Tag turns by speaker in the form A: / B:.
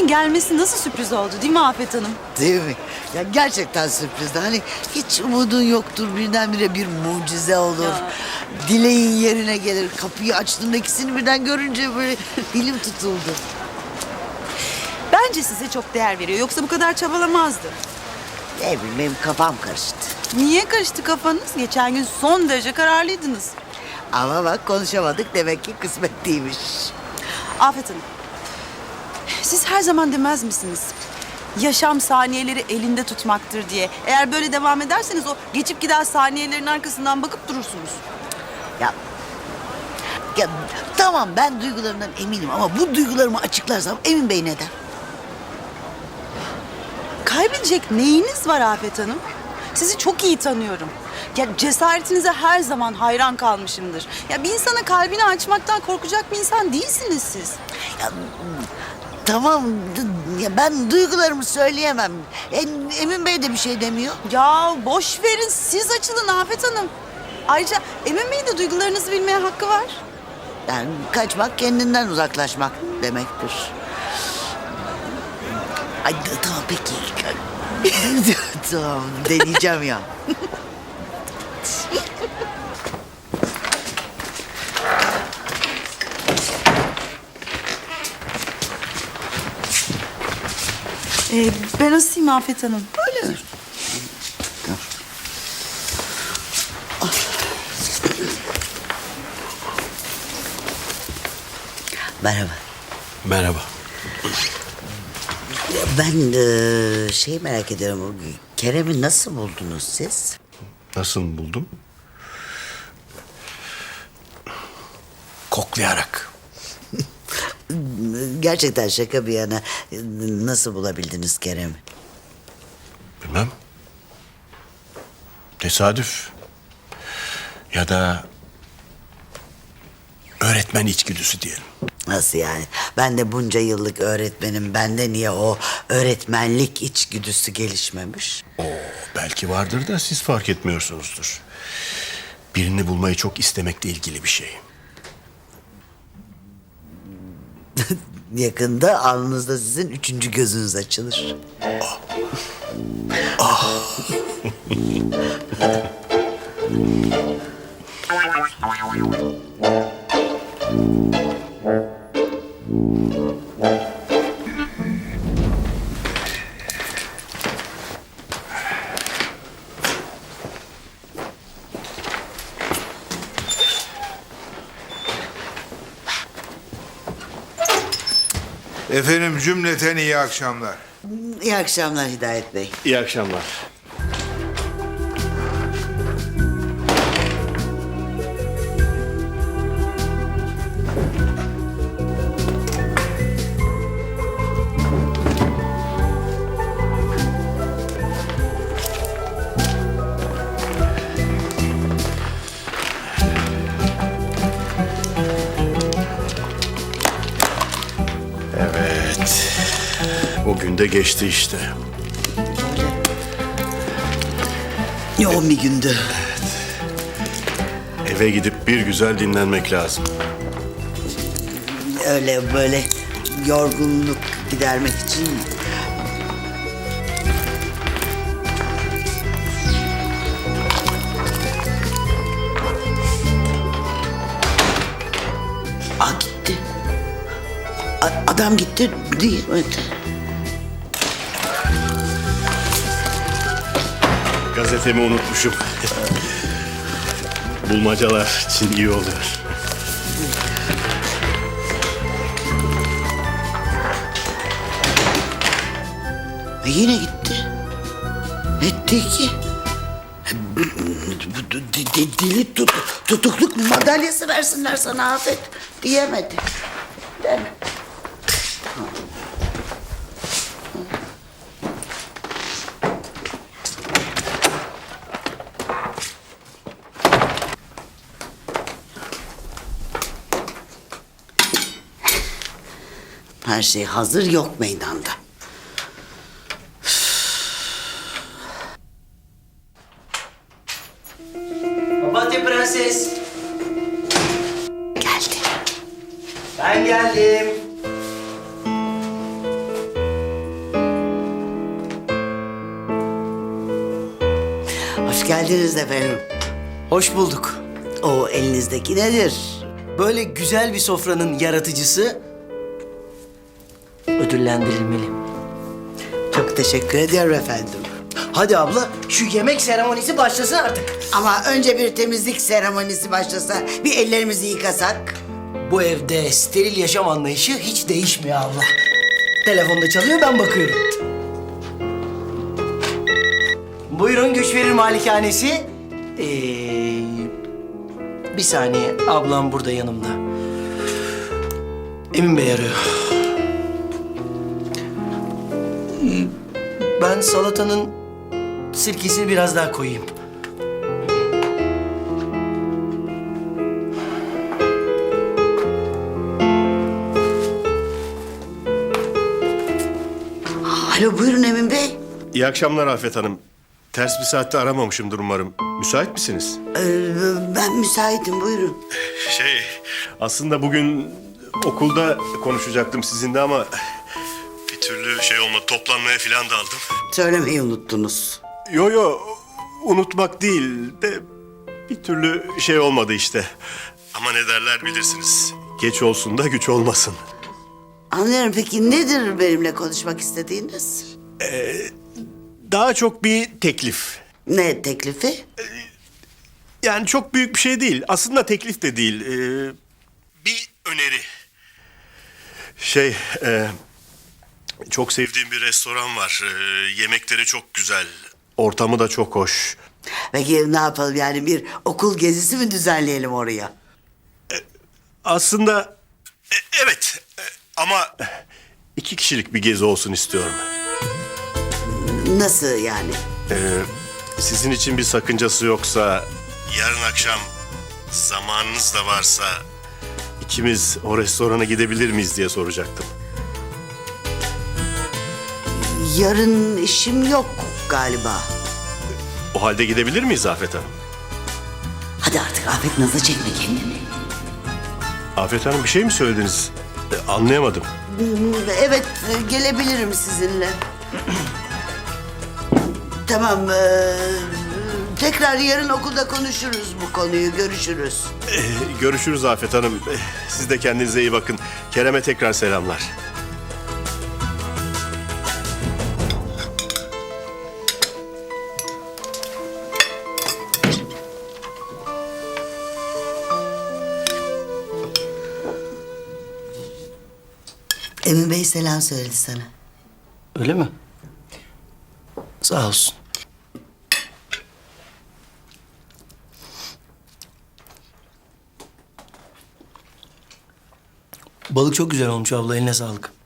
A: Güney'in gelmesi nasıl sürpriz oldu değil mi Afet Hanım?
B: Değil mi? Ya gerçekten sürprizdi. Hani hiç umudun yoktur. Birdenbire bir mucize olur.
A: Ya.
B: Dileğin yerine gelir. Kapıyı açtığında ikisini birden görünce böyle dilim tutuldu.
A: Bence size çok değer veriyor. Yoksa bu kadar çabalamazdı.
B: Ne bileyim benim kafam karıştı.
A: Niye karıştı kafanız? Geçen gün son derece kararlıydınız.
B: Ama bak konuşamadık demek ki kısmet değilmiş.
A: Afet Hanım, siz her zaman demez misiniz? Yaşam saniyeleri elinde tutmaktır diye. Eğer böyle devam ederseniz o geçip giden saniyelerin arkasından bakıp durursunuz.
B: Ya, ya tamam ben duygularımdan eminim ama bu duygularımı açıklarsam Emin Bey ne der?
A: Kaybedecek neyiniz var Afet Hanım? Sizi çok iyi tanıyorum. Ya cesaretinize her zaman hayran kalmışımdır. Ya bir insana kalbini açmaktan korkacak bir insan değilsiniz siz.
B: Ya, tamam ya ben duygularımı söyleyemem. Emin Bey de bir şey demiyor.
A: Ya boş verin, siz açılın Afet Hanım. Ayrıca Emin Bey'in de duygularınızı bilmeye hakkı var.
B: Yani kaçmak kendinden uzaklaşmak demektir. Ay tamam peki. Tamam deneyeceğim ya.
A: Ben asayım Afet Hanım.
B: Öyle mi? Merhaba.
C: Merhaba.
B: Ben şey merak ediyorum. Kerem'i nasıl buldunuz siz?
C: Nasıl buldum? Koklayarak.
B: Gerçekten şaka bir yana nasıl bulabildiniz Kerem'i?
C: Bilmem. Tesadüf. Ya da öğretmen içgüdüsü diyelim.
B: Nasıl yani? Ben de bunca yıllık öğretmenim. Bende niye o öğretmenlik içgüdüsü gelişmemiş?
C: Belki vardır da siz fark etmiyorsunuzdur. Birini bulmayı çok istemekle ilgili bir şey.
B: Yakında alnınızda sizin üçüncü gözünüz açılır.
D: Efendim cümleten iyi akşamlar.
B: İyi akşamlar Hidayet Bey.
C: İyi akşamlar. Evet. O gün de geçti işte.
B: Yoğun bir gündü.
C: Eve gidip bir güzel dinlenmek lazım.
B: Öyle böyle yorgunluk gidermek için. Gitti. Adam gitti değil mi?
C: Gazetemi unutmuşum. Bulmacalar için iyi oluyor.
B: Yine gitti. Etti ki. Deli tutukluk madalyası versinler sana Afet. Diyemedi. Değil mi? Her şey hazır yok meydanda.
E: Papatya Prenses.
B: Geldi.
E: Ben geldim.
B: Hoş geldiniz efendim.
E: Hoş bulduk.
B: O elinizdeki nedir?
E: Böyle güzel bir sofranın yaratıcısı ödüllendirilmeli.
B: Çok teşekkür ediyorum efendim.
E: Hadi abla şu yemek seremonisi başlasın artık.
B: Ama önce bir temizlik seremonisi başlasa, bir ellerimizi yıkasak.
E: Bu evde steril yaşam anlayışı hiç değişmiyor abla. Telefonda çalıyor, ben bakıyorum. Buyurun Güç Verir Malikanesi. Bir saniye, ablam burada yanımda. Emin Bey arıyor. Ben salatanın sirkesini biraz daha koyayım.
B: Alo buyurun Emin Bey.
C: İyi akşamlar Afet Hanım. Ters bir saatte aramamışımdır umarım. Müsait misiniz?
B: Ben müsaitim buyurun.
C: Aslında bugün okulda konuşacaktım sizinle ama bir türlü şey olmadı. Toplanmaya falan daldım.
B: Söylemeyi unuttunuz.
C: Yo, unutmak değil de bir türlü şey olmadı işte. Ama ne derler bilirsiniz. Geç olsun da güç olmasın.
B: Anlıyorum. Peki nedir benimle konuşmak istediğiniz?
C: Daha çok bir teklif.
B: Ne teklifi?
C: Yani çok büyük bir şey değil. Aslında teklif de değil. Bir öneri. Çok sevdiğim bir restoran var. Yemekleri çok güzel. Ortamı da çok hoş.
B: Peki ne yapalım yani bir okul gezisi mi düzenleyelim oraya?
C: Aslında evet. Ama 2 kişilik bir gezi olsun istiyorum.
B: Nasıl yani?
C: Sizin için bir sakıncası yoksa yarın akşam zamanınız da varsa ikimiz o restorana gidebilir miyiz diye soracaktım.
B: Yarın işim yok galiba.
C: O halde gidebilir miyiz Afet Hanım?
B: Hadi artık Afet nazı çekme kendini.
C: Afet Hanım bir şey mi söylediniz? Anlayamadım.
B: Evet gelebilirim sizinle. Tamam. Tekrar yarın okulda konuşuruz bu konuyu. Görüşürüz.
C: Görüşürüz Afet Hanım. Siz de kendinize iyi bakın. Kerem'e tekrar selamlar.
B: Emin Bey selam söyledi sana.
E: Öyle mi? Sağ olsun. Balık çok güzel olmuş abla, eline sağlık.